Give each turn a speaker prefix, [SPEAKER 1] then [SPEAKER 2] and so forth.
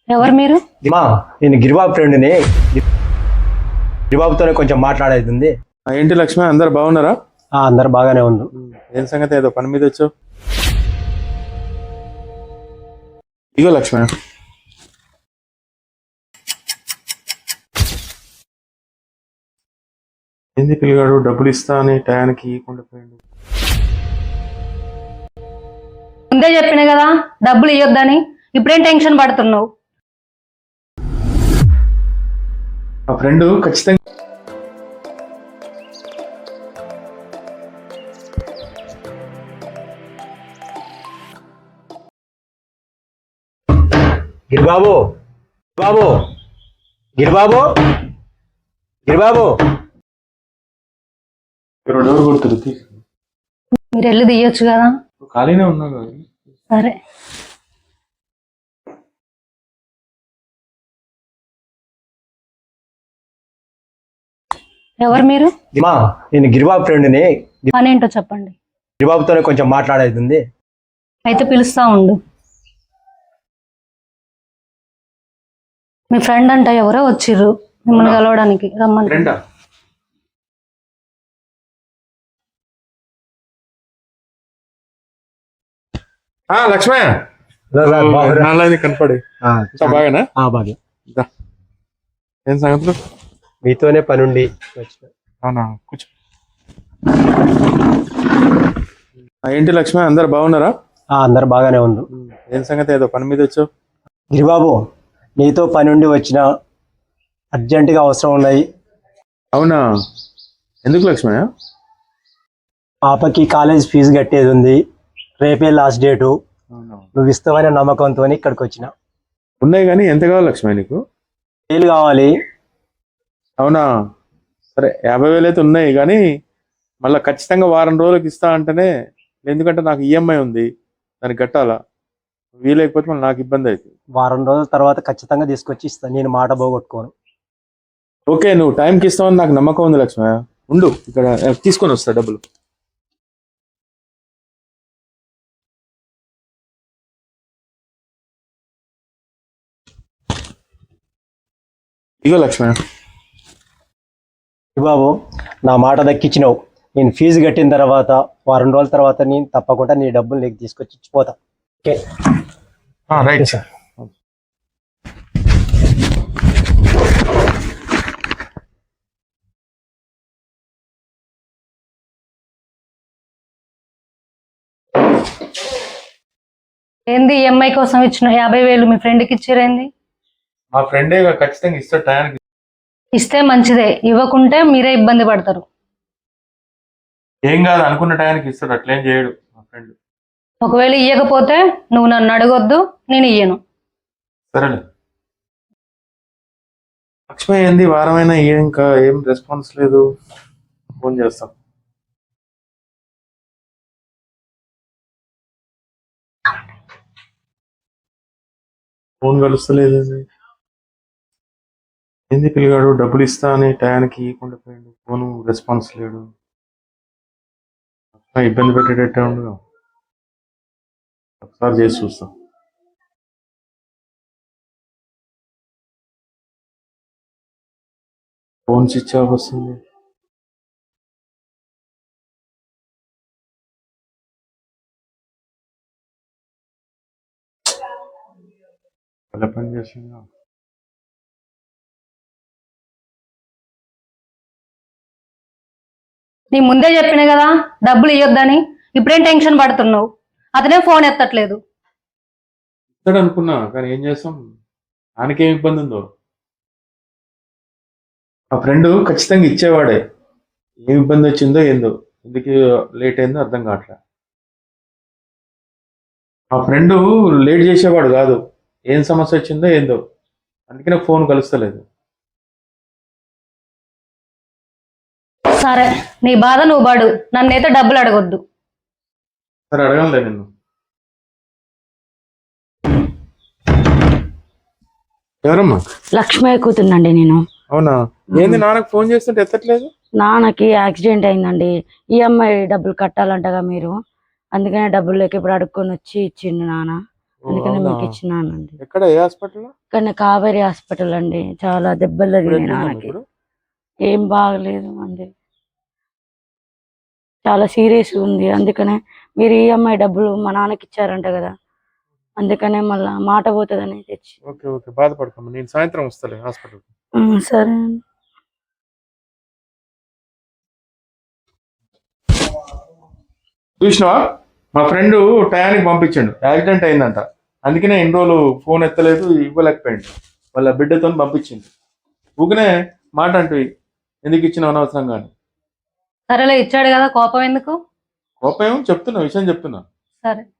[SPEAKER 1] ఎవరు మీరు?
[SPEAKER 2] నేను గిరిబాబు ఫ్రెండ్ని. గిరిబాబుతోనే కొంచెం మాట్లాడేది ఉంది.
[SPEAKER 3] ఏంటి లక్ష్మి, అందరు బాగున్నారా?
[SPEAKER 2] అందరు బాగానే ఉంది.
[SPEAKER 3] ఏం సంగతి, ఏదో పని మీద వచ్చావు? ఇగో లక్ష్మి, ఏంది పిల్లగాడు డబ్బులు ఇస్తా అని టయానికి ఇవ్వకుండా పోయిండు.
[SPEAKER 1] ముందే చెప్పిన కదా డబ్బులు ఇవ్వద్దని, ఇప్పుడేం టెన్షన్ పడుతున్నావు?
[SPEAKER 3] మా ఫ్రెండ్ ఖచ్చితంగా
[SPEAKER 2] గిరిబాబు బాబు గిరిబాబు గిరిబాబు
[SPEAKER 3] డోర్ కొడుతుంది.
[SPEAKER 1] మీరు వెళ్ళి తీయొచ్చు కదా.
[SPEAKER 3] ఖాళీనే ఉన్నా కదా.
[SPEAKER 1] సరే. ఎవరు మీరు?
[SPEAKER 2] నేను గిరిబాబు ఫ్రెండ్ని.
[SPEAKER 1] పనేంటో చెప్పండి.
[SPEAKER 2] గిరిబాబుతోనే కొంచెం మాట్లాడేది ఉంది.
[SPEAKER 1] అయితే పిలుస్తా ఉండు. మీ ఫ్రెండ్ అంట ఎవరో వచ్చిర్రు మిమ్మల్ని కలవడానికి, రమ్మని.
[SPEAKER 3] ఫ్రెండా? లక్ష్మే కనపడి బాగానా?
[SPEAKER 2] బాగా.
[SPEAKER 3] ఏం సంగతులు?
[SPEAKER 2] మీతోనే పనుండి వచ్చిన.
[SPEAKER 3] అవునా, కూర్చో. ఏంటి లక్ష్మి, అందరు బాగున్నారా?
[SPEAKER 2] అందరు బాగానే ఉంది.
[SPEAKER 3] ఏం సంగతి, ఏదో పని మీద వచ్చావు?
[SPEAKER 2] గిరిబాబు, నీతో పనుండి వచ్చిన, అర్జెంటుగా అవసరం ఉన్నాయి.
[SPEAKER 3] అవునా, ఎందుకు లక్ష్మి?
[SPEAKER 2] పాపకి కాలేజ్ ఫీజు కట్టేది ఉంది. రేపే లాస్ట్ డేటు. నువ్వు ఇస్తావనే నమ్మకంతో ఇక్కడికి వచ్చిన.
[SPEAKER 3] ఉన్నాయి కానీ ఎంత కావాలి లక్ష్మి నీకు?
[SPEAKER 2] 1000 కావాలి.
[SPEAKER 3] అవునా, సరే 50,000 అయితే ఉన్నాయి కానీ మళ్ళీ ఖచ్చితంగా వారం రోజులకు ఇస్తా అంటేనే, ఎందుకంటే నాకు ఈఎంఐ ఉంది, దానికి కట్టాలా. వీలైపోతే మళ్ళీ నాకు ఇబ్బంది అవుతుంది.
[SPEAKER 2] వారం రోజుల తర్వాత ఖచ్చితంగా తీసుకొచ్చి ఇస్తాను, నేను మాట పోగొట్టుకోను.
[SPEAKER 3] ఓకే, నువ్వు టైంకి ఇస్తావని నాకు నమ్మకం ఉంది లక్ష్మి. ఉండు, ఇక్కడ తీసుకొని వస్తా డబ్బులు. ఇగో లక్ష్మి.
[SPEAKER 2] బాబు, నా మాట దక్కించినావు. నేను ఫీజు కట్టిన తర్వాత వారం రోజుల తర్వాత నేను తప్పకుండా నీ డబ్బులు నీకు తీసుకొచ్చి ఇచ్చిపోతా. Okay,
[SPEAKER 3] right sir.
[SPEAKER 1] ఏంది ఈఎంఐ కోసం ఇచ్చిన 50,000 మీ ఫ్రెండ్కి ఇచ్చిరేంది?
[SPEAKER 3] మా ఫ్రెండే ఖచ్చితంగా ఇస్తా టయానికి.
[SPEAKER 1] ఇస్తే మంచిదే, ఇవ్వకుంటే మీరే ఇబ్బంది పడతారు.
[SPEAKER 3] ఏం కాదు, అనుకున్న టయానికి ఇస్తాడు, అట్లేం చేయడు మా ఫ్రెండ్.
[SPEAKER 1] ఒకవేళ ఇవ్వకపోతే నువ్వు నన్ను అడగొద్దు, నేను ఇయ్యను.
[SPEAKER 3] సరేలే. లక్ష్మి, ఏంది వారమైనా ఇంకా ఏం రెస్పాన్స్ లేదు? ఫోన్ చేస్తాం. ఫోన్ కలుస్తలేదు. ఏంది పిల్లగాడు డబ్బులు ఇస్తా అని టయానికి ఇవ్వకుండా పోయిండు, ఫోన్ రెస్పాన్స్ లేడు. ఇబ్బంది పెట్టేటట్టే ఉండదు. ఒకసారి చేసి చూస్తాం. ఫోన్ స్విచ్ ఆఫ్ వస్తుంది. ఎలా పని చేస్తుందా?
[SPEAKER 1] నీ ముందే చెప్పిన కదా డబ్బులు ఇవ్వద్దని, ఇప్పుడేం టెన్షన్ పడుతున్నావు? అతనే ఫోన్ ఎత్తట్లేదు.
[SPEAKER 3] ఇస్తాడు అనుకున్నా, కానీ ఏం చేస్తాం, ఆయనకేం ఇబ్బంది ఉందో. మా ఫ్రెండ్ ఖచ్చితంగా ఇచ్చేవాడే, ఏం ఇబ్బంది వచ్చిందో ఏందో, ఎందుకు లేట్ అయిందో అర్థం కావట్లే. మా ఫ్రెండ్ లేట్ చేసేవాడు కాదు, ఏం సమస్య వచ్చిందో ఏందో, అందుకే నాకు ఫోన్ కలుస్తలేదు.
[SPEAKER 1] సరే, నీ బాధ నువ్వు పడు, నన్నైతే డబ్బులు అడగొద్దు.
[SPEAKER 3] సరే, అడగలే నిన్ను. ఎవరమ్మా?
[SPEAKER 4] లక్ష్మి కూతుర్నండి నేను.
[SPEAKER 3] అవునా, ఏంది నాన్నకు ఫోన్ చేస్తుంటే ఎత్తట్లేదు?
[SPEAKER 4] నాన్నకి యాక్సిడెంట్ అయిందండి, ఈఎంఐ డబ్బులు కట్టాలంటగా మీరు, అందుకనే డబ్బులు లేక ఇప్పుడు అడుక్కొని వచ్చి ఇచ్చిండు నాన్న. అందుకనే
[SPEAKER 3] అవునా?
[SPEAKER 4] మీకు ఇచ్చినానండి.
[SPEAKER 3] ఎక్కడ ఏ హాస్పిటల్
[SPEAKER 4] కానీ కావేరి హాస్పిటల్ అండి, చాలా దెబ్బలు తగిలినాయి నాన్నకి. ఏం బాగలేదు అండి, చాలా సీరియస్ ఉంది. అందుకనే మీరు ఈఎంఐ డబ్బులు మా నాన్నకి ఇచ్చారంట కదా, అందుకనే మళ్ళా మాట పోతుందని తెచ్చి.
[SPEAKER 3] ఓకే ఓకే, బాధపడకమ్మా, నేను సాయంత్రం వస్తాలే హాస్పిటల్.
[SPEAKER 4] సరే అండి.
[SPEAKER 3] చూసినావా, మా ఫ్రెండ్ టయానికి పంపించండు, యాక్సిడెంట్ అయిందంట, అందుకనే ఎన్ని రోజులు ఫోన్ ఎత్తలేదు, ఇవ్వలేకపోయిండు, వాళ్ళ బిడ్డతో పంపించిండు. ఊకనే మాట అంటే ఎందుకు ఇచ్చిన అనవసరం కానీ.
[SPEAKER 1] సరేలే, ఇచ్చాడు కదా, కోపం ఎందుకు?
[SPEAKER 3] కోపం ఏమో చెప్తున్నా, విషయం చెప్తున్నా.
[SPEAKER 1] సరే.